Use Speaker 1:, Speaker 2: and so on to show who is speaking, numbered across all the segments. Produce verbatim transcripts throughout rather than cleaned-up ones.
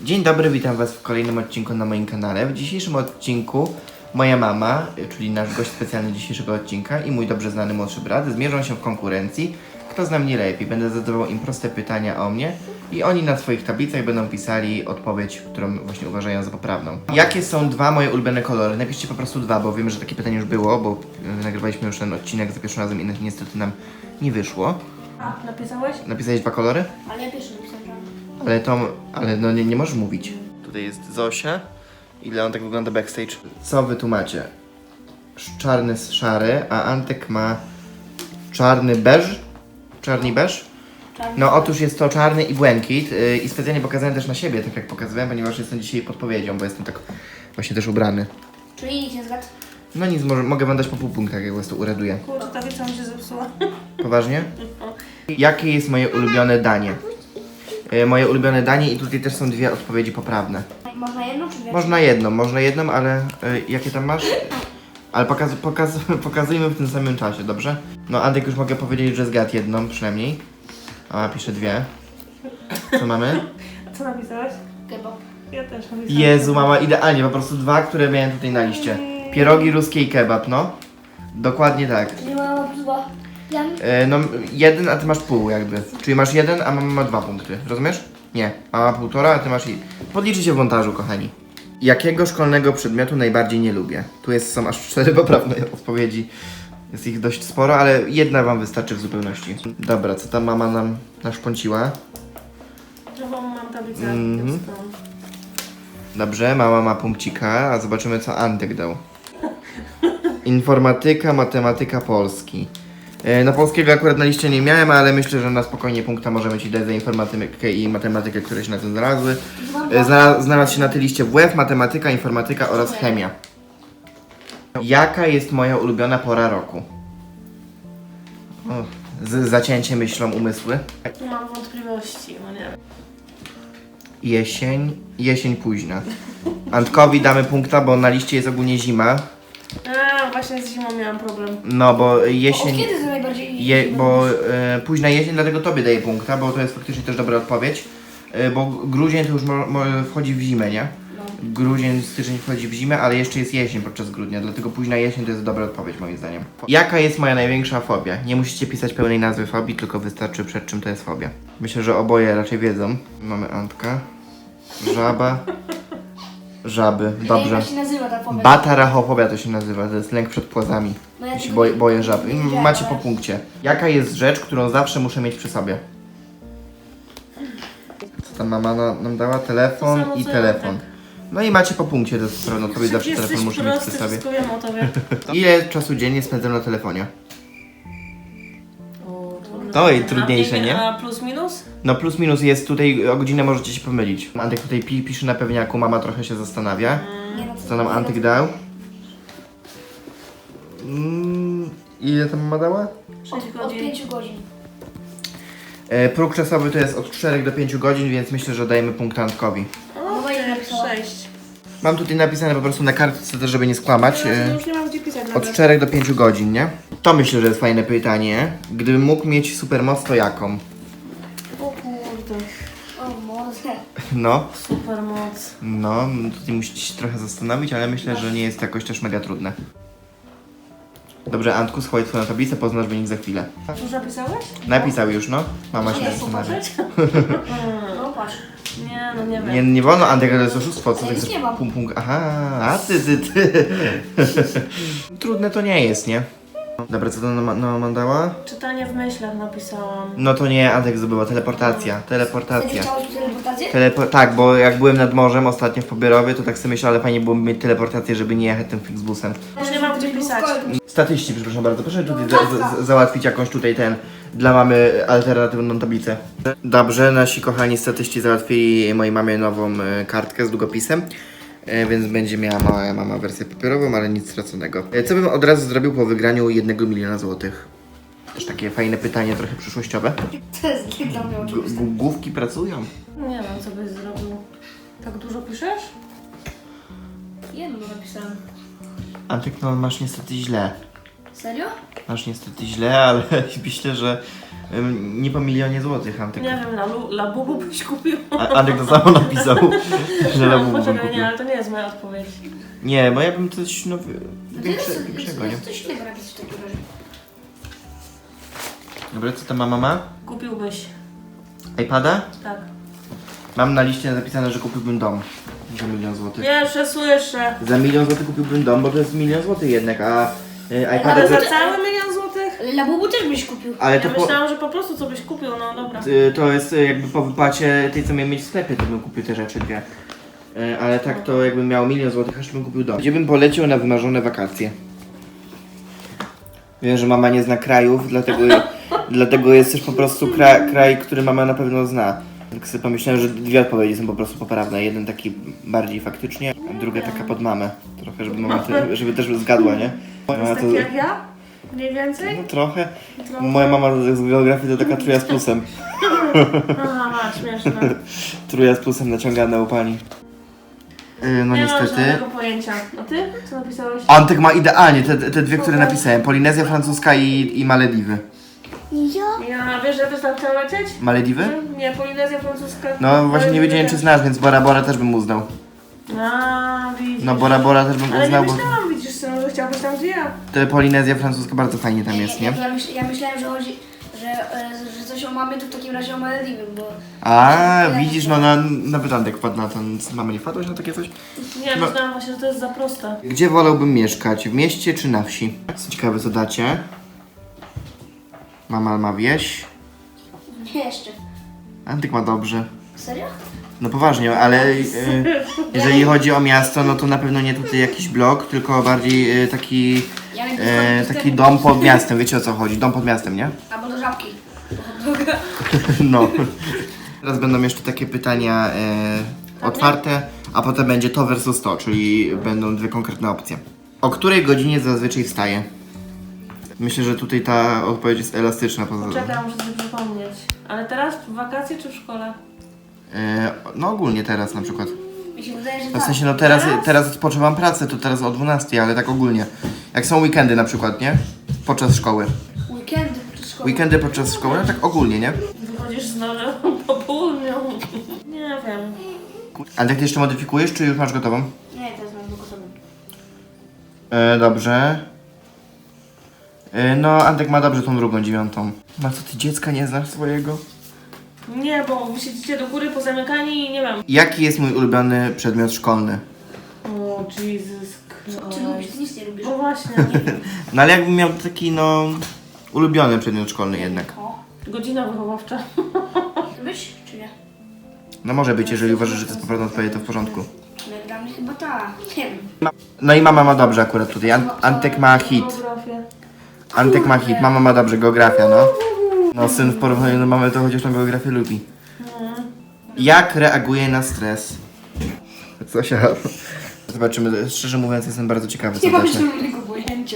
Speaker 1: Dzień dobry, witam Was w kolejnym odcinku na moim kanale. W dzisiejszym odcinku moja mama, czyli nasz gość specjalny dzisiejszego odcinka i mój dobrze znany młodszy brat zmierzą się w konkurencji. Kto zna mnie lepiej? Będę zadawał im proste pytania o mnie i oni na swoich tablicach będą pisali odpowiedź, którą właśnie uważają za poprawną. Jakie są dwa moje ulubione kolory? Napiszcie po prostu dwa, bo wiem, że takie pytanie już było, bo y, nagrywaliśmy już ten odcinek za pierwszym razem i niestety nam nie wyszło.
Speaker 2: A, napisałeś?
Speaker 1: Napisałeś dwa kolory?
Speaker 2: Ale ja pierwszy napisałem.
Speaker 1: Ale to, ale no nie, nie możesz mówić. Tutaj jest Zosia i Leon, tak wygląda backstage. Co wy tu macie? Sz- Czarny z szary, a Antek ma czarny beż? Czarny beż?
Speaker 2: Czarny.
Speaker 1: No otóż jest to czarny i błękit yy, i specjalnie pokazałem też na siebie, tak jak pokazywałem, ponieważ jestem dzisiaj podpowiedzią, bo jestem tak właśnie też ubrany.
Speaker 2: Czyli nikt nie zgadł?
Speaker 1: No nic, może, mogę wam dać po pół punkta, jak was to uraduje.
Speaker 2: Kurde, ta wieca mi się zepsuła.
Speaker 1: Poważnie? Jakie jest moje ulubione danie? Yy, moje ulubione danie i tutaj też są dwie odpowiedzi poprawne.
Speaker 2: Można jedną czy dwie?
Speaker 1: Można jedną, można jedną, ale y, jakie tam masz? Ale pokaz, pokaz, pokazujmy w tym samym czasie, dobrze? No Antek już mogę powiedzieć, że zgadł jedną przynajmniej. A pisze dwie. Co mamy?
Speaker 2: A co napisałeś? Kebab. Ja też napisałem.
Speaker 1: Jezu, mama, idealnie, po prostu dwa, które miałem tutaj na liście. Pierogi ruskie i kebab, no. Dokładnie tak.
Speaker 2: Nie ma dwa. Ja...
Speaker 1: Y, no jeden, a ty masz pół jakby. Czyli masz jeden, a mama ma dwa punkty, rozumiesz? Nie, mama półtora, a ty masz i... Podliczy się w montażu, kochani. Jakiego szkolnego przedmiotu najbardziej nie lubię? Tu jest, są aż cztery poprawne odpowiedzi. Jest ich dość sporo, ale jedna wam wystarczy w zupełności. Dobra, co tam mama nam naszpąciła?
Speaker 2: Drugą mam tablicę.
Speaker 1: Mhm. Dobrze, mama ma punkcika, a zobaczymy co Antek dał. Informatyka, matematyka, polski. E, No polskiego akurat na liście nie miałem, ale myślę, że na spokojnie punkta możemy ci dać za informatykę i matematykę, które się na tym znalazły. E, Znalazł, znalazł się na tej liście W F, matematyka, informatyka oraz chemia. Jaka jest moja ulubiona pora roku? O, z zacięcie myślą umysły.
Speaker 2: Mam wątpliwości, no nie wiem.
Speaker 1: Jesień, jesień późna. Antkowi damy punkta, bo na liście jest ogólnie zima.
Speaker 2: A, właśnie z zimą miałam problem.
Speaker 1: No bo
Speaker 2: Od
Speaker 1: jesień...
Speaker 2: kiedy to najbardziej...
Speaker 1: Je, bo e, późna jesień, dlatego tobie daję punkta, bo to jest faktycznie też dobra odpowiedź. E, bo grudzień to już mo, mo, wchodzi w zimę, nie?
Speaker 2: No.
Speaker 1: Grudzień, styczeń wchodzi w zimę, ale jeszcze jest jesień podczas grudnia, dlatego późna jesień to jest dobra odpowiedź moim zdaniem. Jaka jest moja największa fobia? Nie musicie pisać pełnej nazwy fobii, tylko wystarczy przed czym to jest fobia. Myślę, że oboje raczej wiedzą. Mamy Antka, żaba, żaby, dobrze.
Speaker 2: Jak się nazywa ta fobia?
Speaker 1: Batarachofobia to się nazywa, to jest lęk przed płazami.
Speaker 2: No ja
Speaker 1: Ja się
Speaker 2: tego
Speaker 1: boję,
Speaker 2: nie-
Speaker 1: boję żab.
Speaker 2: nie widziałam,
Speaker 1: Macie po
Speaker 2: ale-
Speaker 1: punkcie. Jaka jest rzecz, którą zawsze muszę mieć przy sobie? Co tam mama na, nam dała? Telefon
Speaker 2: To samo,
Speaker 1: i
Speaker 2: co
Speaker 1: telefon.
Speaker 2: ja,
Speaker 1: No i macie po punkcie, to jest pewna odpowiedź, zawsze
Speaker 2: Jesteś
Speaker 1: telefon muszę mieć
Speaker 2: prosty,
Speaker 1: przy sobie.
Speaker 2: wszystko wiem o tobie.
Speaker 1: Ile czasu dziennie spędzam na telefonie?
Speaker 2: O, trudne.
Speaker 1: To i
Speaker 2: A
Speaker 1: trudniejsze, nie?
Speaker 2: A plus minus?
Speaker 1: No plus minus jest tutaj, o godzinę możecie się pomylić. Antek tutaj pi, pisze na pewniaku, mama trochę się zastanawia.
Speaker 2: Nie no,
Speaker 1: Co nam Antek dał? Mm, ile tam mama dała?
Speaker 2: sześć
Speaker 3: Od
Speaker 2: godzin.
Speaker 3: pięciu godzin.
Speaker 1: E, próg czasowy to jest od czterech do pięciu godzin, więc myślę, że dajemy punkt Antkowi.
Speaker 2: O,
Speaker 3: No, ja napisałam.
Speaker 2: sześć.
Speaker 1: Mam tutaj napisane po prostu na kartce, też żeby nie skłamać.
Speaker 2: No,
Speaker 1: e,
Speaker 2: to już nie mam gdzie pisać
Speaker 1: Od
Speaker 2: nawet.
Speaker 1: czterech do pięciu godzin, nie? To myślę, że jest fajne pytanie. Gdybym mógł mieć supermoc, to jaką?
Speaker 2: O kurde.
Speaker 3: O, może.
Speaker 1: No,
Speaker 2: Super moc.
Speaker 1: no, tutaj musicie się trochę zastanowić, ale myślę, że nie jest jakoś też mega trudne. Dobrze, Antku, schowaj twoją tablicę, poznasz wynik za chwilę.
Speaker 2: Już napisałeś?
Speaker 1: Napisał już, no. Mama się
Speaker 2: Nie,
Speaker 1: zastanawia.
Speaker 2: popatrzeć?
Speaker 3: No patrz.
Speaker 2: Nie, no nie wiem.
Speaker 1: Nie, nie wolno, Antek, ale to jest oszustwo, co
Speaker 3: Ja
Speaker 1: ty
Speaker 3: nic
Speaker 1: chcesz?
Speaker 3: nie mam.
Speaker 1: Pum, pum, aha, a ty, ty, ty. Trudne to nie jest, nie? Dobra, co to nam nam mandała?
Speaker 2: Czytanie w myślach napisałam.
Speaker 1: No to nie, Antek zdobyła teleportacja,
Speaker 3: Będzie
Speaker 1: teleportacja.
Speaker 3: chciałeś teleportację?
Speaker 1: Telepo tak, bo jak byłem nad morzem ostatnio w Pobierowie, to tak sobie myślałem, ale fajnie byłoby mieć teleportację, żeby nie jechać tym Flixbusem.
Speaker 2: Już nie mam gdzie pisać.
Speaker 1: Statyści, przepraszam bardzo, proszę tutaj za, za, załatwić jakąś tutaj ten, dla mamy alternatywną tablicę. Dobrze, nasi kochani statyści załatwili mojej mamie nową e, kartkę z długopisem, e, więc będzie miała mała mama wersję papierową, ale nic straconego. E, co bym od razu zrobił po wygraniu jednego miliona złotych? Też takie fajne pytanie, trochę przyszłościowe.
Speaker 3: To jest dla mnie
Speaker 1: G-
Speaker 3: oczywiste.
Speaker 1: g- główki pracują.
Speaker 2: Nie wiem, co byś zrobił. Tak dużo piszesz?
Speaker 3: Jedno napisałem.
Speaker 1: Antek, no masz niestety źle.
Speaker 3: Serio?
Speaker 1: Masz niestety źle, ale myślę, że Ym, Nie po milionie złotych, Antek.
Speaker 2: Nie wiem, na lu- Labubu byś kupił.
Speaker 1: A- Antek to samo napisał, że
Speaker 2: No,
Speaker 1: Labubu bym
Speaker 2: poczekaj,
Speaker 1: kupił.
Speaker 2: nie, ale to nie jest moja odpowiedź.
Speaker 1: Nie, bo ja bym coś no, wy-
Speaker 3: No to
Speaker 1: większe,
Speaker 3: jest,
Speaker 1: większego, nie?
Speaker 3: jest coś innego napisać w takim razie.
Speaker 1: Dobra, co ta mama ma?
Speaker 2: Kupiłbyś.
Speaker 1: iPada?
Speaker 2: Tak.
Speaker 1: Mam na liście zapisane, że kupiłbym dom za milion złotych.
Speaker 2: Jeszcze, słyszę.
Speaker 1: Za milion złotych kupiłbym dom, bo to jest milion złotych jednak, a y, iPada...
Speaker 2: Ale za
Speaker 1: to-
Speaker 2: cały milion złotych?
Speaker 3: Ale Labubu też byś kupił.
Speaker 1: Ale
Speaker 2: Ja
Speaker 1: to po,
Speaker 2: myślałam, że po prostu co byś kupił, no dobra.
Speaker 1: y, to jest y, jakby po wypłacie tej, co miałem mieć w sklepie, to bym kupił te rzeczy dwie. Y, Ale tak to jakbym miał milion złotych, aż bym kupił dom. Gdzie bym poleciał na wymarzone wakacje? Wiem, że mama nie zna krajów, dlatego, dlatego jest też po prostu kra, kraj, który mama na pewno zna. Tak sobie pomyślałem, że dwie odpowiedzi są po prostu poprawne. Jeden taki bardziej faktycznie, a druga taka pod mamę. Trochę, żeby mama te, żeby też zgadła, nie?
Speaker 2: To jest
Speaker 1: Mama
Speaker 2: taki jak ja? Mniej więcej?
Speaker 1: No trochę.
Speaker 2: Trochę.
Speaker 1: Moja mama z geografii to taka truja z plusem.
Speaker 2: Aha, ma, śmieszne.
Speaker 1: Truja z plusem naciągana u pani. Yy, no
Speaker 2: nie mam
Speaker 1: niestety.
Speaker 2: żadnego pojęcia. A ty? Co napisałeś?
Speaker 1: Antek ma idealnie te, te dwie, które napisałem. Polinezja francuska i, i Malediwy.
Speaker 2: Ja, wiesz, że ja też tam chciałam lecieć?
Speaker 1: Malediwy?
Speaker 2: Nie, Polinezja francuska.
Speaker 1: No właśnie nie wiedziałem, czy znasz, więc Bora Bora też bym uznał.
Speaker 2: A, widzisz.
Speaker 1: No Bora Bora też bym
Speaker 2: Ale nie
Speaker 1: uznał, bo
Speaker 2: myślałam, widzisz, synu, że chciałbyś tam gdzie ja.
Speaker 1: te Polinezja francuska bardzo fajnie tam jest,
Speaker 3: ja,
Speaker 1: nie?
Speaker 3: ja, myśl, ja myślałem, że chodzi, że, e, że coś o mamie, to w takim razie o Malediwy, bo...
Speaker 1: A widzisz, no na, nawet Antek wpadł na to. Mamy nie wpadłeś na takie coś?
Speaker 2: Nie,
Speaker 1: No.
Speaker 2: myślałam właśnie, że to jest za proste.
Speaker 1: Gdzie wolałbym mieszkać? W mieście czy na wsi? Ciekawe co dacie. Mama ma wieś.
Speaker 3: Nie, jeszcze.
Speaker 1: Antyk ma dobrze.
Speaker 3: Serio?
Speaker 1: No poważnie, ale y, jeżeli chodzi o miasto, no to na pewno nie tutaj jakiś blok, tylko bardziej y, taki,
Speaker 3: Ja
Speaker 1: y, taki dom pod miastem. Wiecie o co chodzi? Dom pod miastem, nie?
Speaker 3: Albo do żabki.
Speaker 1: No. Teraz będą jeszcze takie pytania y, otwarte, a potem będzie to versus to, czyli będą dwie konkretne opcje. O której godzinie zazwyczaj wstaje? Myślę, że tutaj ta odpowiedź jest elastyczna. Poza
Speaker 2: Czekaj, muszę sobie przypomnieć. Ale teraz w wakacje czy w szkole?
Speaker 1: E, no ogólnie teraz na przykład.
Speaker 3: Mi się wydaje, że
Speaker 1: W
Speaker 3: tak.
Speaker 1: sensie no teraz,
Speaker 2: Teraz?
Speaker 1: teraz odpoczywam pracę, to teraz o dwunastej, ale tak ogólnie. Jak są weekendy na przykład, nie? Podczas szkoły.
Speaker 3: Weekendy podczas szkoły.
Speaker 1: Weekendy podczas szkoły, no tak ogólnie, nie?
Speaker 2: Wychodzisz z nożem po południu. Nie wiem.
Speaker 1: A jak ty jeszcze modyfikujesz, czy już masz gotową?
Speaker 3: Nie, teraz mam tylko sobie.
Speaker 1: E, dobrze. E, no, Antek ma dobrze tą drugą, dziewiątą. Ma co, ty dziecka nie znasz swojego?
Speaker 2: Nie, bo wy siedzicie do góry pozamykani i nie wiem.
Speaker 1: Jaki jest mój ulubiony przedmiot szkolny?
Speaker 2: O, Jesus
Speaker 3: Ty lubisz, ty nic nie lubisz.
Speaker 2: No właśnie.
Speaker 1: No ale jakbym miał taki, no... Ulubiony przedmiot szkolny jednak.
Speaker 3: O.
Speaker 2: Godzina wychowawcza.
Speaker 3: Lubisz, czy nie?
Speaker 1: No może być, jeżeli uważasz, że to jest poprawna odpowiedź, to w porządku.
Speaker 3: No, dla mnie chyba ta. Nie wiem.
Speaker 1: No i mama ma dobrze akurat tutaj. An- Antek ma hit.
Speaker 2: Geografię.
Speaker 1: Antek ma hit, mama ma dobrze, geografia, no. No syn w porównaniu do mamy to chociaż na geografię lubi. Jak reaguje na stres? Zosia. Zobaczymy, szczerze mówiąc jestem bardzo ciekawy co
Speaker 3: Nie mam
Speaker 1: dacie.
Speaker 3: żadnego pojęcia.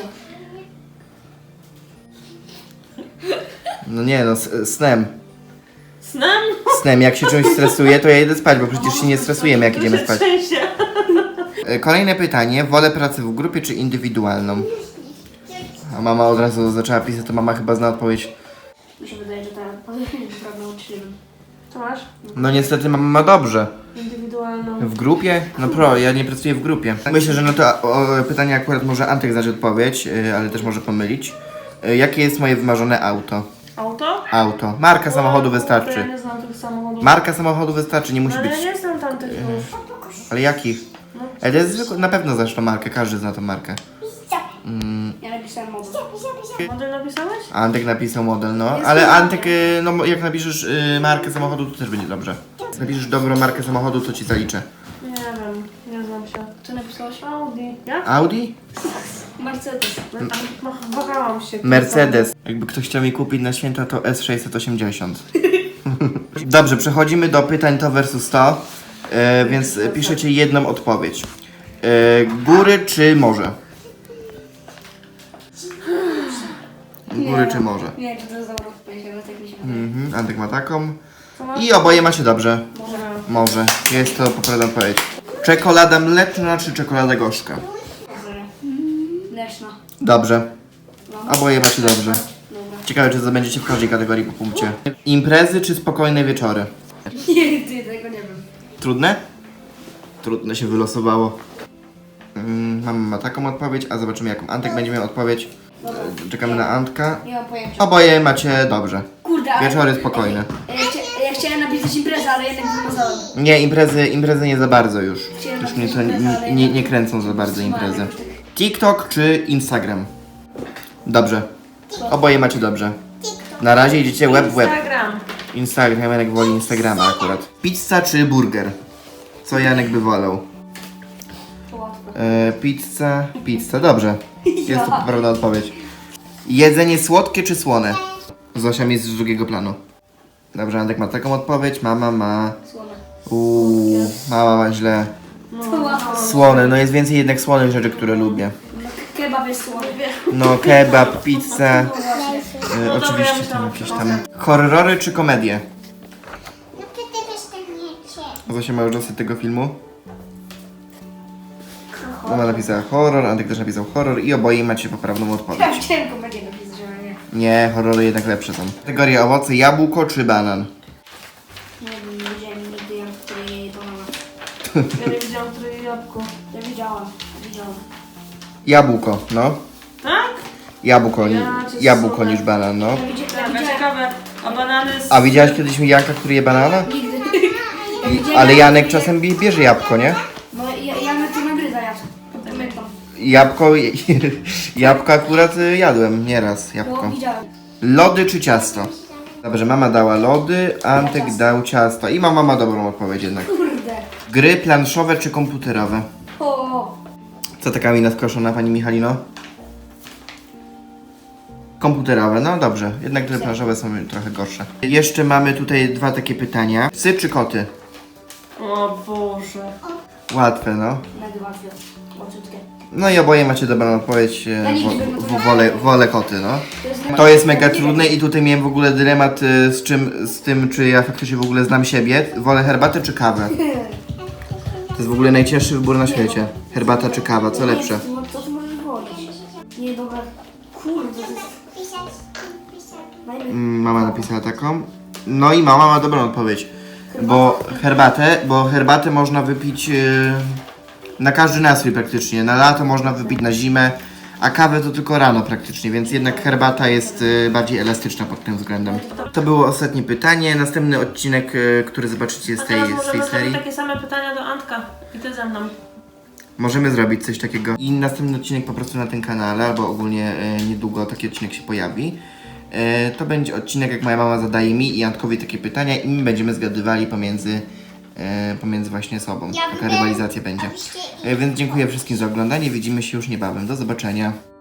Speaker 1: No nie no, s- snem.
Speaker 2: Snem?
Speaker 1: Snem, jak się czymś stresuje, to ja idę spać, bo przecież się nie stresujemy jak idziemy
Speaker 2: się
Speaker 1: spać.
Speaker 2: trzęsie.
Speaker 1: E, Kolejne pytanie, wolę pracę w grupie czy indywidualną? A mama od razu zaczęła pisać, to mama chyba zna odpowiedź.
Speaker 3: Mi się wydaje, że ta odpowiedź jest prawda, czy nie wiem.
Speaker 2: Co masz?
Speaker 1: No niestety mama ma dobrze.
Speaker 2: Indywidualną.
Speaker 1: W grupie? No pro, ja nie pracuję w grupie. Myślę, że no to o, pytanie akurat może Antek znać odpowiedź, y, ale też może pomylić. Y, jakie jest moje wymarzone auto?
Speaker 2: Auto?
Speaker 1: Auto. Marka samochodu
Speaker 2: To ja
Speaker 1: wystarczy.
Speaker 2: nie znam tych samochodów.
Speaker 1: Marka samochodu wystarczy, nie musi
Speaker 2: Ale
Speaker 1: być.
Speaker 2: ja nie znam tamtych już.
Speaker 1: Ale jakich?
Speaker 2: No,
Speaker 1: Ale to jest zwykłe, na pewno znasz tą markę, każdy zna tą markę. Mm,
Speaker 3: Ja napisałem model.
Speaker 2: model napisałeś?
Speaker 1: Antek napisał model, no. Ale Antek, y, no jak napiszesz y, markę samochodu, to też będzie dobrze. Jak napiszesz dobrą markę samochodu, to ci zaliczę.
Speaker 2: Nie wiem, nie znam się.
Speaker 3: Co napisałeś?
Speaker 2: Audi. Jak?
Speaker 1: Audi?
Speaker 3: Mercedes.
Speaker 2: No, wahałam się.
Speaker 1: Mercedes. Jakby ktoś chciał mi kupić na święta, to S sześćset osiemdziesiąt. Dobrze, przechodzimy do pytań to versus to, e, więc piszecie jedną odpowiedź. E, góry czy morze? Góry czy morze?
Speaker 3: Nie wiem, czy to jest dobra odpowiedź, ale tak mi się wydaje.
Speaker 1: Mhm, Antek ma taką.
Speaker 2: Co masz?
Speaker 1: I oboje macie dobrze.
Speaker 2: Może.
Speaker 1: Morze. Jest to poprawna odpowiedź. Czekolada mleczna czy czekolada gorzka?
Speaker 3: Dobra. Mleczna.
Speaker 1: Dobrze.
Speaker 3: No.
Speaker 1: Oboje macie dobrze.
Speaker 3: Dobra.
Speaker 1: Ciekawe, czy zdobędziecie w każdej kategorii po punkcie. Imprezy czy spokojne wieczory?
Speaker 3: Nie, ty, tego nie wiem.
Speaker 1: Trudne? Trudne się wylosowało. Mm, mama ma taką odpowiedź, a zobaczymy jaką Antek będzie miał odpowiedź.
Speaker 3: Dobra.
Speaker 1: E, Czekamy na Antka.
Speaker 3: Nie mam pojęcia.
Speaker 1: Oboje macie dobrze.
Speaker 3: Kurde, ale...
Speaker 1: Wieczory spokojne.
Speaker 3: Ja, chcia, ja chciałem napisać imprezę, ale jednak wymazałem.
Speaker 1: Nie, imprezy, imprezy nie za bardzo już.
Speaker 3: Chciałem
Speaker 1: Już mnie to
Speaker 3: napisać imprezę,
Speaker 1: nie,
Speaker 3: ale
Speaker 1: nie,
Speaker 3: jednak
Speaker 1: nie kręcą za bardzo
Speaker 3: wstrzymałem
Speaker 1: imprezy.
Speaker 3: jakoś tak.
Speaker 1: TikTok czy Instagram? Dobrze. Oboje macie dobrze. Na razie idziecie web w web.
Speaker 2: Instagram.
Speaker 1: Instagram, Janek woli Instagrama akurat. Pizza czy burger? Co Janek by wolał?
Speaker 3: To łatwe.
Speaker 1: E, pizza, pizza, dobrze. Jest to poprawna odpowiedź. Jedzenie słodkie czy słone? Zosia jest z drugiego planu. Dobrze, Antek ma taką odpowiedź, mama ma...
Speaker 3: Słone.
Speaker 1: Uuu, mama ma źle.
Speaker 3: To łatwe.
Speaker 1: Słone, no jest więcej jednak słonych rzeczy, które lubię.
Speaker 3: No, kebab jest słony.
Speaker 1: No kebab, pizza,
Speaker 3: No właśnie.
Speaker 1: e,
Speaker 2: No dobra,
Speaker 1: oczywiście
Speaker 2: ja
Speaker 1: tam
Speaker 2: myślałam,
Speaker 1: jakieś
Speaker 2: że
Speaker 1: tam... Horrory czy komedie?
Speaker 4: No ty też tak nie cię.
Speaker 1: Zosia ma już dosyć tego filmu. Mama napisała horror, Antek też napisał horror i oboje macie poprawną odpowiedź.
Speaker 3: Ja chciałem komedię napisać, ale nie.
Speaker 1: Nie, horrory jednak lepsze są. Kategoria owoce, jabłko czy banan?
Speaker 3: Nie wiem, nie widziałem nigdy jak który jej banana.
Speaker 2: Ja nie widziałam, które je jabłko.
Speaker 3: Ja widziałam, widziałam.
Speaker 1: Jabłko, no.
Speaker 2: Tak?
Speaker 1: Jabłko,
Speaker 2: Ja
Speaker 1: ni-
Speaker 2: cię
Speaker 1: jabłko
Speaker 2: słucham.
Speaker 1: niż banan, no.
Speaker 3: Ja widziałam, ja
Speaker 2: Taka
Speaker 3: widziałam.
Speaker 2: ciekawe. A banany z...
Speaker 1: A widziałaś kiedyś Janka, który je banana?
Speaker 3: Nigdy. Ja
Speaker 1: I,
Speaker 3: widziałem,
Speaker 1: ale
Speaker 3: jak-
Speaker 1: Janek czasem bie- bierze jabłko, nie?
Speaker 3: No ja, ja na to nagryza jadł. Pamiętam.
Speaker 1: Jabłko, jabłko akurat y, jadłem nieraz,
Speaker 3: No
Speaker 1: jabłko.
Speaker 3: widziałem.
Speaker 1: Lody czy ciasto? Dobrze, mama dała lody, Antek dał ciasto i mama ma dobrą odpowiedź jednak.
Speaker 3: Kurde.
Speaker 1: Gry planszowe czy komputerowe?
Speaker 3: O,
Speaker 1: Co taka mina wkoszona, pani Michalino? Komputerowe, no dobrze. Jednak gry planszowe są trochę gorsze. Jeszcze mamy tutaj dwa takie pytania. Psy czy koty?
Speaker 2: O Boże.
Speaker 1: Łatwe, no.
Speaker 3: mega łatwe. Łatwiutkie.
Speaker 1: No i oboje macie dobrą odpowiedź. e,
Speaker 3: Ja nigdy bym
Speaker 1: Wo,
Speaker 3: to
Speaker 1: wo,
Speaker 3: nie
Speaker 1: wolę,
Speaker 3: wiedziała.
Speaker 1: wolę koty, no.
Speaker 3: To jest,
Speaker 1: To jest mega trudne i tutaj miałem w ogóle dylemat e, z czym, z tym, czy ja faktycznie w ogóle znam siebie. Wolę herbatę czy kawę? To jest w ogóle najcięższy wybór na świecie. Herbata czy kawa, co lepsze?
Speaker 3: No co ty możesz wolić? Nie, dobra. Kurde, to jest
Speaker 4: Pisać, pisać.
Speaker 3: najlepiej.
Speaker 1: Mm, Mama napisała taką. No i mama ma dobrą odpowiedź. Bo herbatę, bo herbatę można wypić e, na każdy nastrój praktycznie. Na lato można wypić, na zimę, a kawę to tylko rano praktycznie, więc jednak herbata jest e, bardziej elastyczna pod tym względem. To było ostatnie pytanie. Następny odcinek, e, który zobaczycie z
Speaker 2: A
Speaker 1: tej,
Speaker 2: teraz
Speaker 1: z tej
Speaker 2: możemy
Speaker 1: serii.
Speaker 2: zrobić takie same pytania do Antka. I ty ze mną.
Speaker 1: Możemy zrobić coś takiego. I następny odcinek po prostu na tym kanale, albo ogólnie e, niedługo taki odcinek się pojawi. E, to będzie odcinek, jak moja mama zadaje mi i Antkowi takie pytania i my będziemy zgadywali pomiędzy, e, pomiędzy właśnie sobą.
Speaker 4: Ja
Speaker 1: Taka
Speaker 4: bym-
Speaker 1: rywalizacja będzie.
Speaker 4: abyście-
Speaker 1: E, więc dziękuję wszystkim za oglądanie. Widzimy się już niebawem. Do zobaczenia.